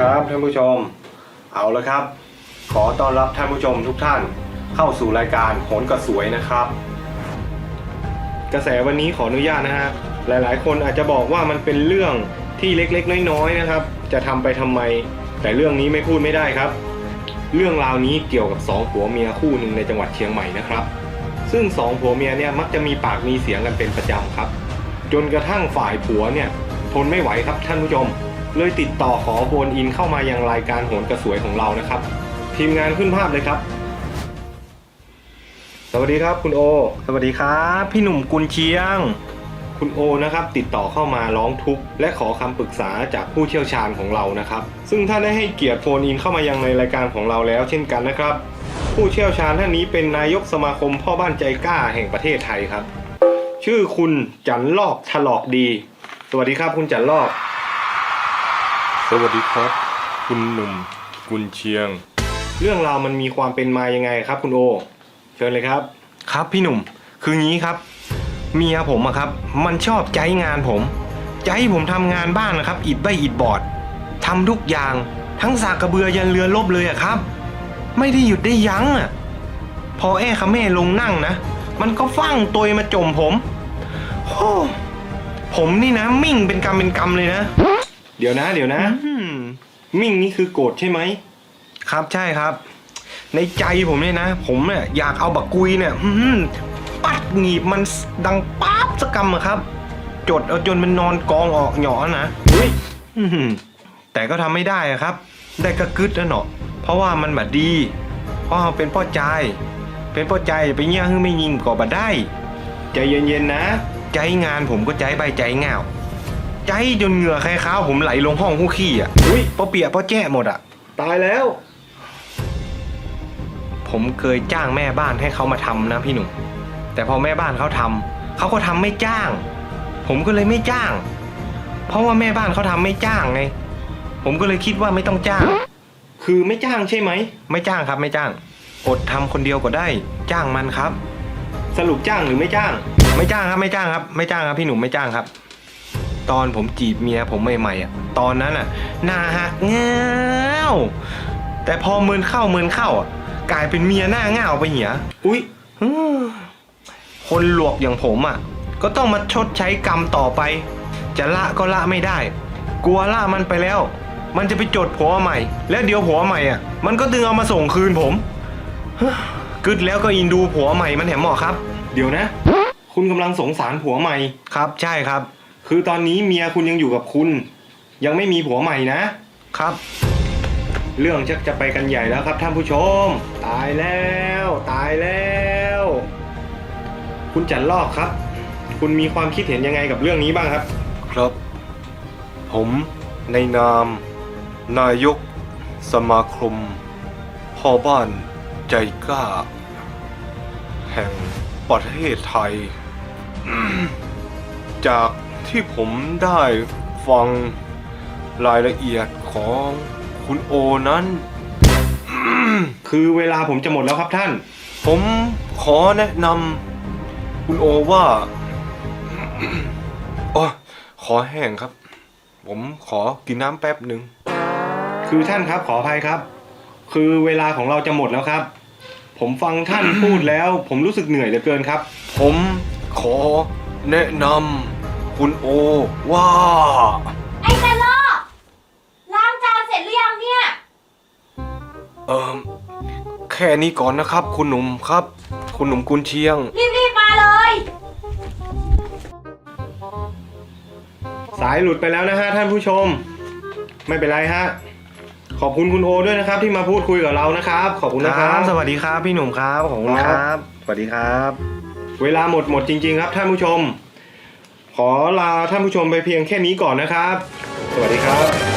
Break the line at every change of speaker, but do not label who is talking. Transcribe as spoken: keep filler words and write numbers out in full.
ครับท่านผู้ชมเอาละครับขอต้อนรับท่านผู้ชมทุกท่านเข้าสู่รายการโหนกระสวยนะครับกระแสวันนี้ขออนุญาตนะฮะหลายๆคนอาจจะบอกว่ามันเป็นเรื่องที่เล็กๆน้อยๆนะครับจะทำไปทำไมแต่เรื่องนี้ไม่พูดไม่ได้ครับเรื่องราวนี้เกี่ยวกับสองผัวเมียคู่หนึ่งในจังหวัดเชียงใหม่นะครับซึ่งสองผัวเมียเนี่ยมักจะมีปากมีเสียงกันเป็นประจำครับจนกระทั่งฝ่ายผัวเนี่ยทนไม่ไหวครับท่านผู้ชมเลยติดต่อขอโฟนอินเข้ามายังรายการโหนกระสวยของเรานะครับทีมงานขึ้นภาพเลยครับสวัสดีครับคุณโอสวัสดีครับพี่หนุ่มกุลเชียงคุณโอนะครับติดต่อเข้ามาร้องทุกข์และขอคำปรึกษาจากผู้เชี่ยวชาญของเรานะครับซึ่งท่านได้ให้เกียรติโฟนอินเข้ามายังในรายการของเราแล้วเช่นกันนะครับผู้เชี่ยวชาญท่านนี้เป็นนายกสมาคมพ่อบ้านใจกล้าแห่งประเทศไทยครับชื่อคุณจันลอกถลอกดีสวัสดีครับคุณจันลอก
สวัสดีครับคุณหนุ่มกุลเชียง
เรื่องราวมันมีความเป็นมายังไงครับคุณโอเชิญเลยครับครับพี่หนุ่มคืองี้ครับเมียผมอะครับมันชอบใจงานผมใจผมทำงานบ้านนะครับอิฐใบอิฐบอร์ดทำทุกอย่างทั้งสากกระเบือยันเรือลบเลยอะครับไม่ได้หยุดได้ยั้งอะพอแอ้ขะแม่ลงนั่งนะมันก็ฟั่งตัวมาจมผมโอ้ผมนี่นะมิ่งเป็นกรรมเป็นกรรมเลยนะเดี๋ยวนะเดี๋ยวนะมิ่งนี่คือโกรธใช่ไหมครับใช่ครับในใจผมเนี่ยนะผมเนี่ยอยากเอาบักกุยเนี่ยปัดหนีบมันดังป๊าบสักกำอะครับจดเอาจนมันนอนกองออกหยอนะแต่ก็ทำไม่ได้อะครับได้กระกึดแล้วเนาะเพราะว่ามันแบบดีเพราะเราเป็นพ่อใจเป็นพ่อใจไปเงี้ยฮึไม่ยิงก่อบัดได้ใจเย็นๆนะใจงานผมก็ใจใบใจเงาใจจนเหงื่อใครข้าวผมไหลลงห้องคู่ขี้อ่ะอุ้ยพอเปียกพอแจ้หมดอ่ะตายแล้วผมเคยจ้างแม่บ้านให้เขามาทำนะพี่หนุ่มแต่พอแม่บ้านเขาทำเขาก็ทำไม่จ้างผมก็เลยไม่จ้างเพราะว่าแม่บ้านเขาทำไม่จ้างไงผมก็เลยคิดว่าไม่ต้องจ้างคือไม่จ้างใช่ไหมไม่จ้างครับไม่จ้างอดทำคนเดียวก็ได้จ้างมันครับสรุปจ้างหรือไม่จ้างไม่จ้างครับไม่จ้างครับไม่จ้างครับพี่หนุ่มไม่จ้างครับตอนผมจีบเมียผมใหม่ๆอ่ะตอนนั้นอ่ะหน้าหักเงาแต่พอเมินเข้าเมินเข้าอ่ะกลายเป็นเมียหน้าเงาไปเหียอุ๊ยคนหลวกอย่างผมอ่ะก็ต้องมาชดใช้กรรมต่อไปจะละก็ละไม่ได้กลัวละมันไปแล้วมันจะไปจดผัวใหม่แล้วเดี๋ยวผัวใหม่อ่ะมันก็ดึงเอามาส่งคืนผมกึดแล้วก็อินดูผัวใหม่มันแถมเหมาะครับเดี๋ยวนะคุณกำลังสงสารผัวใหม่ครับใช่ครับคือตอนนี้เมียคุณยังอยู่กับคุณยังไม่มีผัวใหม่นะครับเรื่องชักจะไปกันใหญ่แล้วครับท่านผู้ชมตายแล้วตายแล้วคุณจันลอกครับคุณมีความคิดเห็นยังไงกับเรื่องนี้บ้างครับ
ครับผมในนามนายกสมาคมพ่อบ้านใจกล้าแห่งประเทศไทย จากที่ผมได้ฟังรายละเอียดของคุณโอนั้น
คือเวลาผมจะหมดแล้วครับท่าน
ผมขอแนะนำคุณโอว่าโอ้ขอแห้งครับผมขอกินน้ำแป๊บหนึ่ง
คือท่านครับขออภัยครับคือเวลาของเราจะหมดแล้วครับผมฟังท่าน พูดแล้วผมรู้สึกเหนื่อยเหลือเกินครับ
ผมขอแนะนำคุณโอว่า
ไอ้ตะลอกล้างจานเสร็จหรือยังเนี่ย
เอ่อแค่นี้ก่อนนะครับคุณหนุ่มครับคุณหนุ่มกุลเชียง
รีบๆมาเลย
สายหลุดไปแล้วนะฮะท่านผู้ชมไม่เป็นไรฮะขอบคุณคุณโอด้วยนะครับที่มาพูดคุยกับเรานะครับขอบคุณนะครับสวัสดีครับพี่หนุ่มครับขอบคุณครับสวัสดีครับเวลาหมดหมดจริงๆครับท่านผู้ชมขอลาท่านผู้ชมไปเพียงแค่นี้ก่อนนะครับสวัสดีครับ